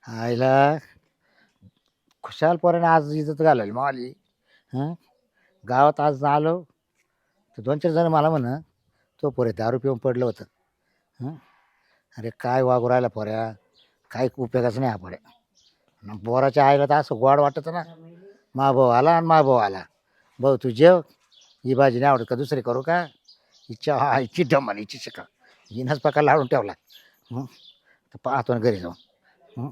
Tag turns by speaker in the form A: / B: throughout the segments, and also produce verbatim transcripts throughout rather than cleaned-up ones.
A: आईला खुशाल पोराने आज इज्जत घालवली मावाली. हां गावात आज आलो तर दोन चार जण मला म्हण तो पोरे दारू पिऊन पडलं होतं. हं अरे काय वागू राहिला पोऱ्या, काय उपयोगाचं नाही हा पोऱ्या. न पोराच्या आईला तर असं गोड वाटतं ना, मा भाऊ आला आणि मा भाऊ आला. भाऊ तू जेव, ही भाजी नाही आवडत का दुसरी करू का, हिच्या हा हिची डमन हिची शिका, हिनंच प्रकार लावून ठेवला. हं तर पाहतो ना घरी जाऊन. हं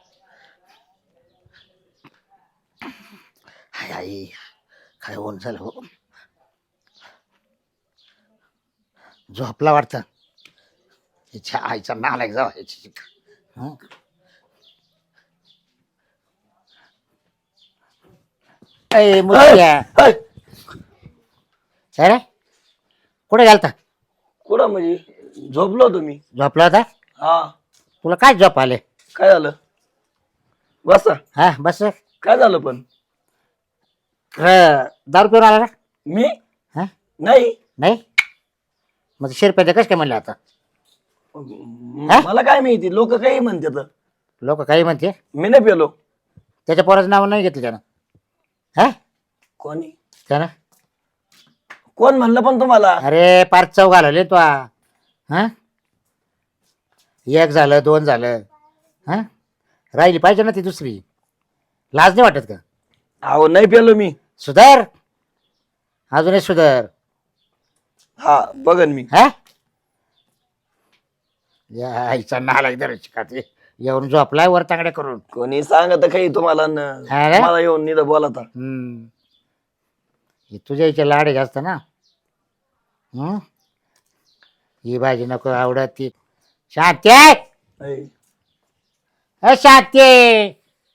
A: हाय आई काय होऊन झालं हो, झोपला वाटतं. हिच्या आईचा नालायक जावा याची शिका. हं ए मुद्द्या
B: ऐ,
A: अरे कुठे गेलता?
B: कुठं म्हणजे झोपलो होतो मी.
A: झोपला होता?
B: हा,
A: तुला काय झोप आले?
B: काय झालं? बसा.
A: हा बस.
B: काय झालं पण?
A: खरं दारू पिऊन आला ना?
B: मी
A: हा
B: नाही.
A: नाही मग शिरप्याचं कसं काय म्हणलं आता?
B: म- मला काय माहिती, लोक काही म्हणतात.
A: लोक काही म्हणते,
B: मी नाही पेलो.
A: त्याच्या पोराचं नाव नाही घेतलं त्यानं. हा
B: कोणी
A: त्यानं
B: कोण म्हणलं पण तुम्हाला?
A: अरे पार चौ घालवले तो. हा एक झालं दोन झालं, हा राहिली पाहिजे ना ती दुसरी. लाज नाही वाटत का?
B: अहो नाही पेलो मी.
A: सुधार, अजूनही सुधार.
B: हा बघन मी.
A: हा या आईचा नाला इधर शिकाते येऊन झोपलाय वर तांगड्या करून.
B: कोणी सांगत काही तुम्हाला न-
A: हा रे?
B: मला येऊन निदा बोलाता.
A: हम्म हे तुझ्या इथे लाड आहे जास्त ना. हम्म ही भाजी नको आवडत ती. शांती
B: ऐ,
A: अ शांती,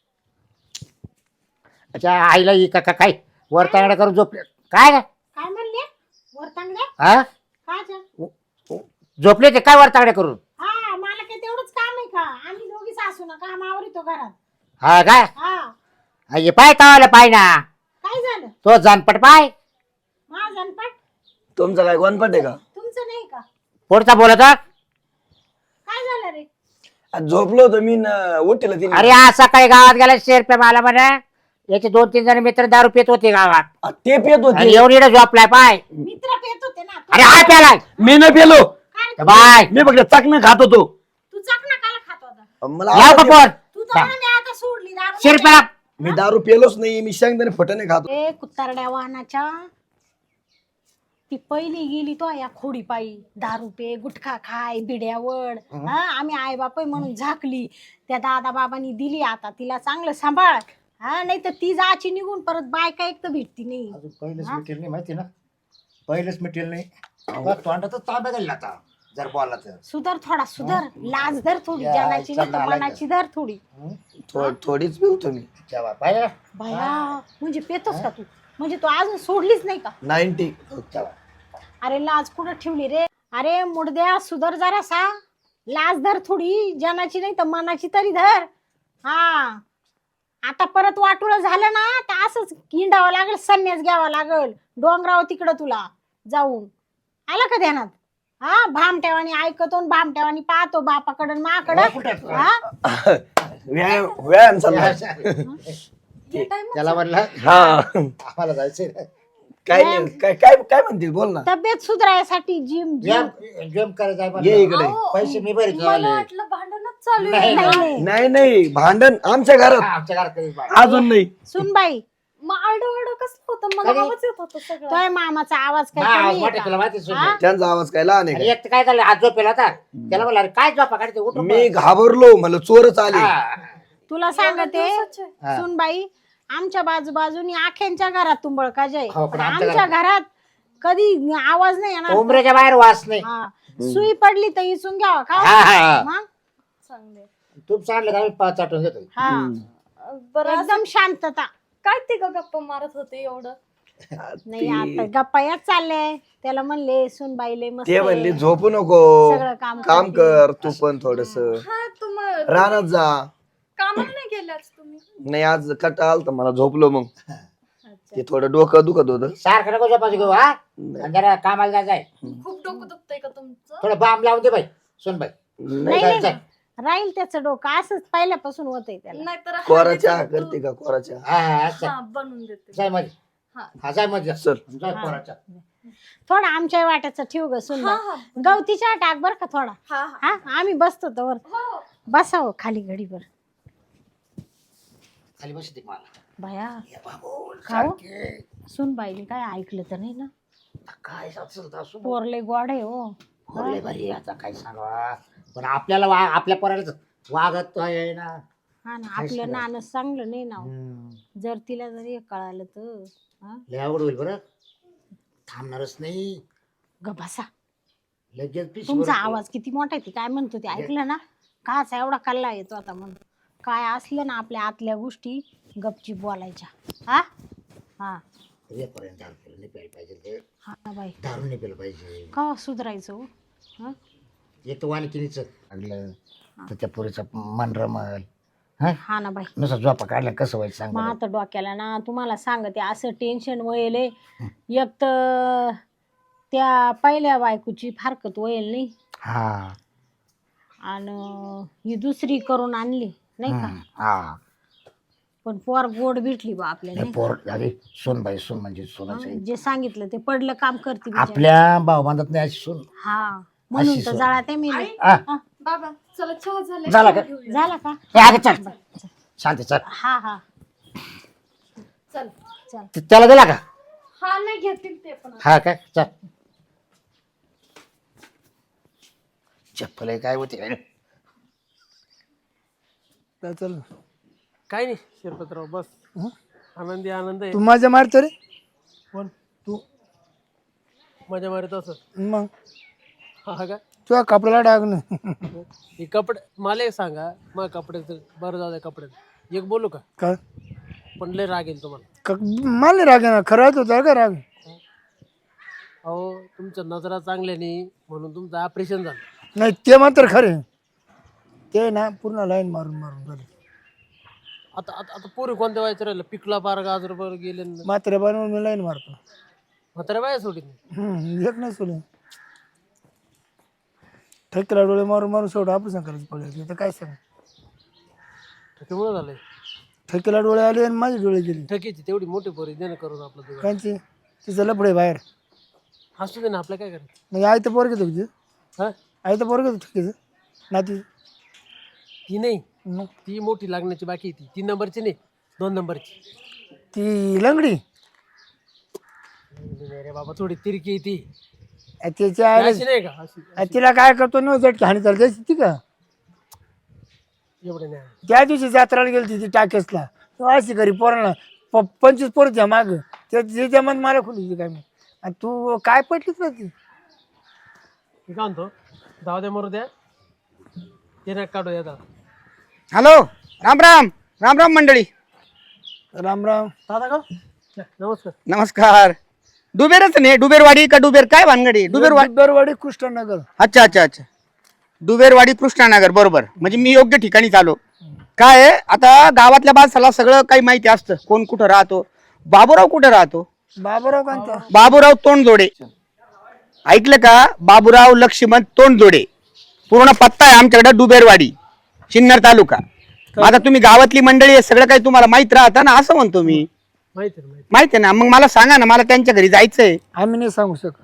A: अच्छा आईला ही का का- काय वर तांगड्या करून झोपले काय?
C: काय म्हणले? वर तांगड्या?
A: हा
C: काय झालं?
A: झोपले ते काय वर तांगड्या करून?
C: हा मला काय तेवढंच काम आहे का? आम्ही दोघी सासू ना काम आवरितो घरात.
A: हा काय
C: हा
A: हे पाय तावाला पाय ना,
C: काय झालं?
A: तो जानपट पाय.
C: माझा अनपट
B: तुमचं काय गोनपट आहे का?
C: तुमचं नाही का?
A: पुढचा बोलत हा?
C: काय झालं रे?
B: आज झोपलो होतो मी न उठलं तिने.
A: अरे आज सकाळी गावात गेला शेरपे मला म्हणे याचे दोन तीन जण मित्र दारू पित होते गावात
B: आ, ते पेत
A: आणि
B: होते.
A: येऊन इकडे झोपलाय पाय.
C: मित्र पेत होते ना.
A: अरे हा प्यालाय
B: मी नाही पेलो.
C: काय रे?
A: बाय
B: मी फक्त चाकणं खात होतो.
C: तू चकना काला खात होता?
B: मला
A: याव का
B: आवडते.
A: पोर
C: तू तर म्हणे मी आता सोडली दारू.
A: शिरप्याला
B: मी दारू पेलोच नाही. मी शेंगदाणे फटणे खातो.
C: ए कुत्तारड्या वाहनाच्या, ती पहिली गेली तो या खोडी पायी. दारू पे, गुटखा खाय, बिड्यावड. हा आम्ही आई बापय म्हणून झाकली. त्या दादा बाबांनी दिली, आता तिला चांगलं सांभाळ. हा नाही तर ती जायची निघून, परत बायका एक तर भेटती नाही.
A: पहिलेच मिटेल नाही माहिती ना, पहिलेच मिटेल नाही. तोंडातच तांब्या घालला आता जर बोलला तर.
C: सुधर थोडा, सुधर. लाज धर थोडी,
A: या,
C: जनाची नाही तर
A: चालला
C: मनाची धर थोडी.
B: थो- थोडीच पिवतो मी.
A: जेव्हा पाहिजे
C: भया म्हणजे पेतोस का तू? म्हणजे तू अजून सोडलीच नाही का?
B: नाईन्टी.
A: तेव्हा
C: अरे लाज कुठं ठेवली रे? अरे मुडद्या सुधर जरासा. लाज धर थोडी, जनाची नाही तर मनाची तरी धर. हा आता परत वाटुळ झालं ना तर असंच हिंडावं लागल, संन्यास घ्यावा लागल डोंगरावर तिकडं तुला जाऊन. आलं का ध्यानात? हा भामट्यावानी ऐकतो आणि भामट्यावानी पाहतो बापाकडं माकडं. हा
B: व्यायाम व्यायाम चालला.
A: त्याला म्हणलं
B: हा
A: आम्हाला जायचंय
B: काय नाही. काय काय काय म्हणते बोल ना.
C: तब्येत सुधारायसाठी जिम जिम
A: गेम करायचा आहे
B: ये
A: म्हणलं.
B: इकडे.
A: पैसे मी भरीत
D: मला
A: झाले.
D: वाटलं भांडणच चालू
A: नाही,
D: आहे.
A: नाही.
C: नाही
B: नाही नाही भांडण आमच्या घरात
A: आमच्या घरात कधीच बाहेर.
B: अजून नाही.
C: सुनबाई,
D: मग आरडं कसलं होतं, मला
A: कधी?
D: आवाज येत होता सगळं.
C: तोय मामाचा आवाज काय
A: हा,
C: कमी
A: आवाज
C: आहे
A: मोठा
C: का?
A: तुला माहिती आहे,
C: हा?
A: सुन.
B: त्यांचा आवाज काय लहान आहे
A: आणि
B: का?
A: एक तर काय झालं आज झोपेला होता, त्याला म्हणलं अरे काय झोपा काढते उठून
B: मी घाबरलो, मला चोरच आले.
A: हा.
C: तुला सांगते
D: दिवसाचे.
A: हा.
C: सुनबाई, आमच्या बाजूबाजूनी आख्यांच्या घरात तुंबळका जय,
A: हो, पण
C: पण
A: आमच्या
C: आमच्या घरात कधी आवाज नाही येणार.
A: उमरेच्या बाहेर वास नाही.
C: हा. सुई पडली तर इसून घ्यावा का?
A: हा, हा, हा.
C: मग?
D: चांगले.
A: तूप सांडलं का आम्ही पाच चाटून घेतो.
C: हा.
D: बरं असं
C: एकदम शांतता.
D: काय ते ग गप्पा मारत होते एवढं?
C: नाही आता गप्पा याच चालले. त्याला म्हणले सुनबाईले मस्त
B: ते म्हणले झोपू नको,
C: सगळं काम
B: काम
C: करते.
B: कर तू पण थोडस,
D: हा तुम्हाला
B: रानात जा.
D: कामाला नाही गेलाच तुम्ही?
B: नाही आज कटाळ आलता मला, झोपलो मग. ते थोडं डोकं दुखत होतं.
A: सारखं नको झोपायचं घेऊ हा. आणि जरा कामाला जायचंय,
D: खूप डोकं दुखतंय का तुमचं?
A: थोडं बाम लावून दे बाई सुन बाई.
B: नाही
C: नाही
A: जाय,
C: नाही
A: जाय.
C: राहील त्याचं डोकं असंच पहिल्यापासून होतंय त्याला.
D: नाहीतर
B: कोरा चहा करते का कोरा चहा?
A: हा हा असं.
D: हा बनवून देते.
A: जाय मध्ये
D: हा.
A: हा जाय मध्ये
B: चल.
A: जाय पोराच्या.
C: थोडा आमच्या वाट्याचं ठेव ग
D: हा
C: सुंदर.
D: हा
C: गवतीच्या टाक बर का थोडा.
D: हा हा
C: हा आम्ही बसतो तर
D: हो
C: बसावं खाली घडीभर.
A: खाली बसते मला
C: बाया
A: ये बाबू
C: खाऊ?
A: सारखे.
C: सुन बाईने काय ऐकलं तर नाही ना?
A: काय असेल तर असू दे.
C: पोरले गोड आहे हो.
A: पोरले भारी आहे, आता काय सांगा पण आपल्याला वा आपल्या पोराला वागत आहे ना.
C: हा ना
A: काय
C: आपलं
A: सांगायचं?
C: नाणं चांगलं नाही ना हो.
A: हम्म.
C: जर तिला जरी कळालं तर हा?
A: लय आवड होईल बरं थांबणारच नाही
C: ग बसा.
A: लगेच पिशवी
C: तुमचा
A: भरून-
C: आवाज किती मोठा आहे ते काय म्हणतो ते ऐकलं ना? काचा एवढा कल्ला येतो आता म्हणून. काय असलं ना आपल्या आतल्या गोष्टी गपचीप बोलायच्या. हा हा
A: रेपर्यंत दारू पिलं नाही प्यायला पाहिजे ते.
C: हा ना बाई
A: दारू नाही पिलं पाहिजे.
C: का सुधारायचं हो? हा?
A: एक तर वानकिनीचं लागलं तर त्या पोरीचं मन रमल. हा
C: हा ना बाई
A: नुसतं झोपा काढल्या कसं व्हायचं सांग
C: मग
A: बरं.
C: आता डोक्याला ना तुम्हाला सांगते असं टेन्शन वयल एक तर त्या पहिल्या बायकोची फारकत वयल नाही
A: हा
C: आणि ही दुसरी करून आणली नाही का?
A: हम्म, हा
C: पण पोर गोड भेटली बा आपल्याला
A: नाही पोर अरे सोन बाई सोन म्हणजे सोनाचं आहे.
C: हा, जे सांगितलं ते पडलं काम करते बिचारी.
A: आपल्या भाऊ बांधत नाही अशी सोन.
C: हा म्हणून
A: अशी
C: तर
A: सोय.
C: जळा ते मी
D: आई,
A: हा
D: बाबा चला चहा झाला
A: झाला का?
C: झाला का?
A: ए, अगं चल शांती चल
C: हा हा
D: चल
C: चल
A: ते- त्याला दिला का?
D: हा नाही घेतील ते पण
A: हा काय चल चप्पल आहे काय होते
E: काय चाललं
F: काय नाही शिरपतराव बस आनंदी आनंद आहे.
E: तू माझ्या मारतो रे
F: कोण
E: तू
F: मजा मारत असं
E: मग
F: हा का
E: तुझ्या कपड्याला डाग ना
F: हे कपडे मला एक सांगा मग कपड्याचं बरं जाऊ द्या कपड्याचं एक बोलू का
E: काय
F: पण लय राग येईल तुम्हाला.
E: क- मला राग आहे ना खरंच होता का राग
F: अहो तुमच्या नजरा चांगल्या नाही म्हणून तुमचं ऑपरेशन झालं.
E: नाही ते मात्र खरे ते ना पूर्ण लाईन मारून मारून झाले
F: आता आता आता पोरी कोणत्या व्हायचं राहिलं पिकला पार गाजर बर गेले न.
E: मात्र बनवून मी लाईन मारतो
F: म्हाताऱ्या बाया सोडीत नाही.
E: हम्म, एक नाही सोडून ठेकेला डोळे मारून मारून शेवट ऑपरेशन करायचं पडलं तर काय सांग
F: त्याच्यामुळे झालंय
E: ठेकेला डोळे आले आणि माझे डोळे गेले
F: ठकीची तेवढी मोठी पोरी देणं करून आपलं तुझं
E: कांची तिचं लपडे बाहेर
F: असू दे ना आपल्या काय करायचं.
E: म्हणजे आई तर पोर घेतो तुझं
F: हा
E: आई तर पोर घेतो ठेकीचं नाती
F: ती नाही
E: मग
F: ती मोठी लागण्याची बाकी आहे ती तीन नंबरची नाही दोन नंबरची.
E: ती लंगडी
F: अरे बाबा थोडी तिरकी आहे ती
E: आ, त्याच्या आईला
F: अशी नाही का अशी
E: आ, तिला काय करतो न झटकी हानी चालते ती का
F: एवढे नाही.
E: त्या दिवशी जत्राला गेली ती टाकेसला अशी घरी पोरांना प पंचवीस पोरच्या माग त्याच्या मन मला खुली काय मी आणि तू काय पटलीच ना ती
F: मी काय म्हणतो जाऊ द्या मरू द्या ते नका काढू येतात.
G: हॅलो राम राम राम राम मंडळी
E: राम राम
F: दादा का नमस्कार.
G: नमस्कार. डुबेरच नाही डुबेरवाडी का डुबेर काय भानगडी डुबेरवाडी
E: दरवाडी कृष्णनगर
G: अच्छा अच्छा अच्छा डुबेरवाडी कृष्णानगर बरोबर म्हणजे मी योग्य ठिकाणी चालो. काय आहे, आता गावातल्या माणसाला सगळं काही माहिती असतं कोण कुठं राहतो. बाबूराव कुठं राहतो
E: बाबूराव कांता
G: बाबूराव तोंडजोडे ऐकलं का बाबूराव लक्ष्मण तोंडजोडे पूर्ण पत्ता आहे आमच्याकडे डुबेरवाडी सिन्नर तालुका. आता तुम्ही गावातली मंडळी आहे सगळं काही तुम्हाला माहित राहतं ना असं म्हणतो मी.
F: माहिती आहे ना, माहिती
G: माहिती आहे ना मग मला सांगा ना मला त्यांच्या घरी जायचंय.
E: आम्ही नाही सांगू शकत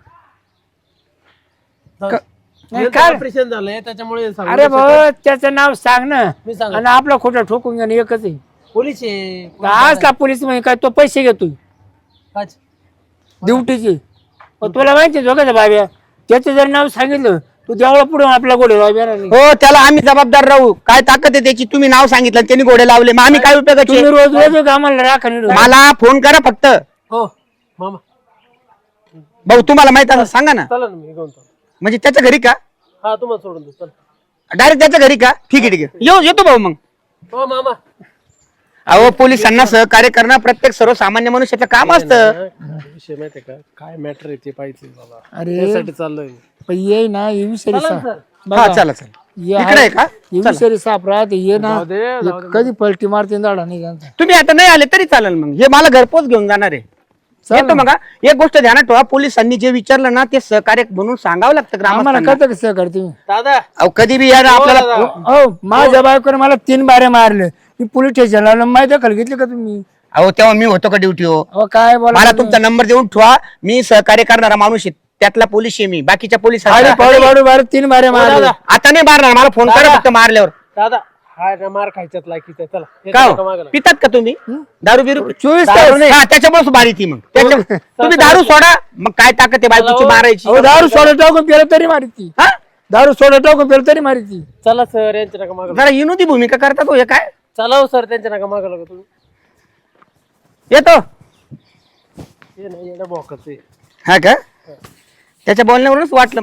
F: आहे.
E: नाही,
F: यांचं
E: काय?
F: ऑपरेशन झालंय त्याच्यामुळे सांगू
E: अरे
F: नाही शकत.
E: भाऊ त्याचं नाव सांग ना
F: मी सांग
E: आणि आपला खोटं ठोकून घेणं एकच आहे
F: पोलीस आहे
E: आज का पोलीस म्हणजे काय तो पैसे घेतोय
F: काच.
E: ड्युटीचे पण तुला माहिती झोकायचं बाब्या त्याचं जर नाव सांगितलं तू देवळा पुढे आपला गोडे बाब्या नाही
G: हो त्याला आम्ही जबाबदार राहू. काय ताकद आहे त्याची तुम्ही नाव सांगितलं आणि त्यांनी घोडे लावले मग आम्ही काय उपयोगाचे.
E: तुम्ही रोज रोज आम्हाला राखा नाही
G: मला फोन करा फक्त.
F: हो मामा
G: भाऊ तुम्हाला माहित असं सांगा ना
F: चला ना मी घेऊन चालतो.
G: म्हणजे त्याच्या घरी का
F: हा तुम्हाला सोडून दे चल.
G: डायरेक्ट त्याच्या घरी का ठीक आहे ठीक आहे येऊ येतो भाऊ मग.
F: हो मामा
G: अहो पोलिसांना सहकार्य करणं प्रत्येक सर्वसामान्य मनुष्याचं काम असतं.
F: विषय माहितीये का काय मॅटर आहे ते पाहिजे मला
E: अरे
F: त्यासाठी चाललोय मी.
E: पण ये ना ये विषारी
F: चला
E: साप
F: ना, सर.
E: बघा,
G: हा चला चला
E: ये
G: इकडे आहे का
E: ये विषारी साप राहते ये ना
F: जाऊ दे, जाऊ
E: हे कधी पलटी मारते दाडा नाही त्यांचा
G: तुम्ही आता नाही आले तरी चालेल मग हे मला घरपोच घेऊन जाणार आहे. येतो मग हा. एक गोष्ट ध्यानात ठेवा, पोलिसांनी जे विचारलं ना ते सहकार्य म्हणून सांगावं लागतं
E: आम्हाला
G: ग्रामस्थांना.
E: कळतं कसं करते
F: दादा
G: अहो, कधी बी या ना आपल्याला
E: हो माझ्या बायकोने मला तीन बारे मारले मी पोलीस स्टेशनला आलो. माहिती दखल घेतली का तुम्ही?
G: अहो तेव्हा मी होतो का ड्युटी हो.
E: अहो काय बोला
G: मला तुमचा नंबर देऊन ठेवा, मी सहकार्य करणारा माणूस आहे, त्यातला पोलीस आहे मी. बाकीच्या पोलीस
E: अरे पाडू पाडू बारे तीन बारे मारले.
G: आता नाही मारणार, मला फोन करा फक्त मारल्यावर.
F: दादा हा ना मार खायच्यात लायकीचा चला येतो
G: का
F: नका
G: हो?
F: मागायला.
G: पितात का तुम्ही दारू बिरू?
E: चोवीस
G: दारू
E: तास.
G: नाही. हा, त्याच्यामुळे मारी ती मग त्याच्या- तुम्ही दारू सोडा, मग काय ताकद आहे बायकोची मारायची?
E: अहो दारू सोडा टाकून पेलं तरी मारती.
G: हा?
E: दारू सोडा टाकून पेलं तरी मारती.
F: चला सर यांच्या नका मागायला.
G: जरा विनोदी भूमिका करतात हो हे काय.
F: चला हो सर त्यांच्या नका मागायला का तुम्ही.
G: येतो
F: हे नाही येणं बोकाचं आहे.
G: हा का? त्याच्या बोलण्यावरूनच वाटलं